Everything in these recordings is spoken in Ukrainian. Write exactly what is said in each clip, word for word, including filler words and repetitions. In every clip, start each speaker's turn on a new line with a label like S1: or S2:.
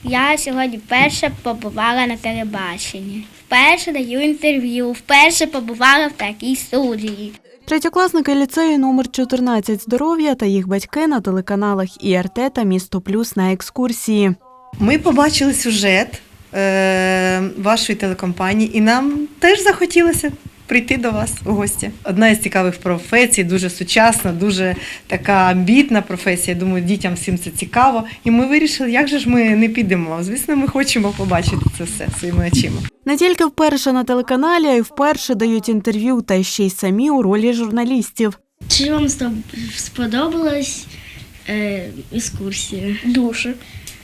S1: Я сьогодні вперше побувала на телебаченні. Вперше даю інтерв'ю, вперше побувала в такій студії.
S2: Третьокласники ліцею номер чотирнадцять «Здоров'я» та їх батьки на телеканалах І Ар Те та «Місто Плюс» на екскурсії.
S3: Ми побачили сюжет е, вашої телекомпанії і нам теж захотілося прийти до вас у гості. Одна із цікавих професій, дуже сучасна, дуже така амбітна професія. Думаю, дітям всім це цікаво. І ми вирішили, як же ж ми не підемо. Звісно, ми хочемо побачити це все своїми очима.
S2: Не тільки вперше на телеканалі, а й вперше дають інтерв'ю, та ще й самі у ролі журналістів.
S1: Чи вам сподобалась е, екскурсія? Дуже.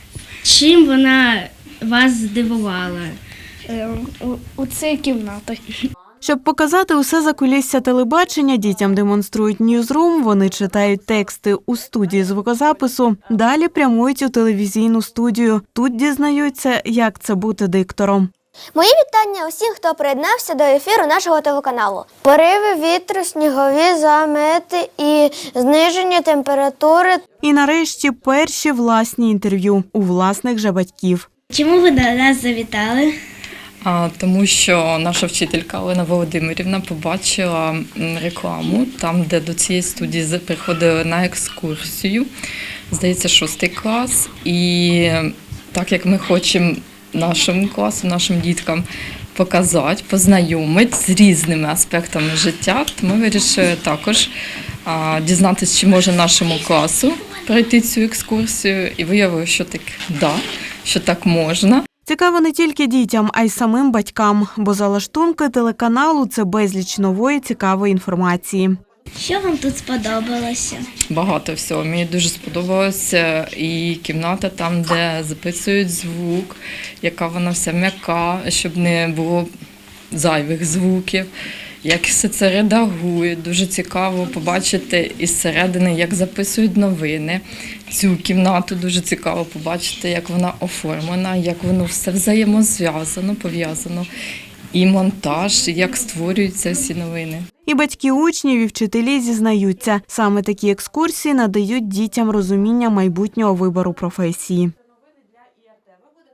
S1: Чим вона вас здивувала? Е, у, у цій кімнаті.
S2: Щоб показати усе закулісся телебачення, дітям демонструють ньюзрум, вони читають тексти у студії звукозапису, далі прямують у телевізійну студію. Тут дізнаються, як це бути диктором.
S4: Мої вітання усім, хто приєднався до ефіру нашого телеканалу. Пориви вітру, снігові замети і зниження температури.
S2: І нарешті перші власні інтерв'ю у власних же батьків.
S1: Чому ви до нас завітали?
S5: А, тому що наша вчителька Олена Володимирівна побачила рекламу, там, де до цієї студії приходили на екскурсію, здається, шостий клас. І так як ми хочемо нашому класу, нашим діткам показати, познайомити з різними аспектами життя, то ми вирішили також а, дізнатися, чи може нашому класу пройти цю екскурсію. І виявили, що так, да, що так можна.
S2: Цікаво не тільки дітям, а й самим батькам, бо за лаштунки телеканалу це безліч нової цікавої інформації.
S1: Що вам тут сподобалося?
S5: Багато всього. Мені дуже сподобалася і кімната там, де записують звук, яка вона вся м'яка, щоб не було зайвих звуків, як все це редагує. Дуже цікаво побачити із середини, як записують новини. Цю кімнату дуже цікаво побачити, як вона оформлена, як воно все взаємозв'язано, пов'язано. І монтаж, як створюються всі новини.
S2: І батьки учнів, і вчителі зізнаються, саме такі екскурсії надають дітям розуміння майбутнього вибору професії.